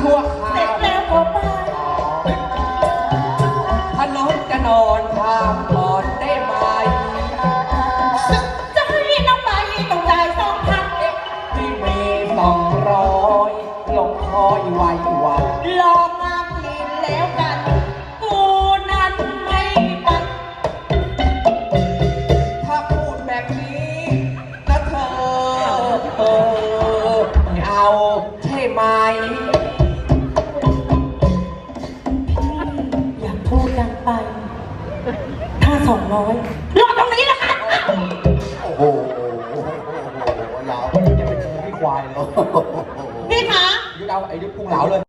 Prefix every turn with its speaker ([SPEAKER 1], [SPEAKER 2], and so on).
[SPEAKER 1] ชั่วค
[SPEAKER 2] เสร็
[SPEAKER 1] รา
[SPEAKER 2] จ
[SPEAKER 1] ว
[SPEAKER 2] แล้วก็ไป
[SPEAKER 1] ถ้าน้องจะนอนทางก่อนได้ไหม
[SPEAKER 2] จะให้น้องไปต้องจ่าย2,000
[SPEAKER 1] ที่มี200ลงคอยไว้วัน
[SPEAKER 2] ลองมากินแล้วกันกูนั้นไม่ไป
[SPEAKER 1] ถ้าพูดแบบนี้นะเธอไม่เอาใช่ไหม
[SPEAKER 2] อย่าพูดดังไป ถ้า200รอตรงนี้ละกัน
[SPEAKER 3] โอ้โหยาวจะเป็นขี้ควายเลย
[SPEAKER 2] พี่คะ
[SPEAKER 1] ยุดเอาไอ้ยุดพุงเหลาเลย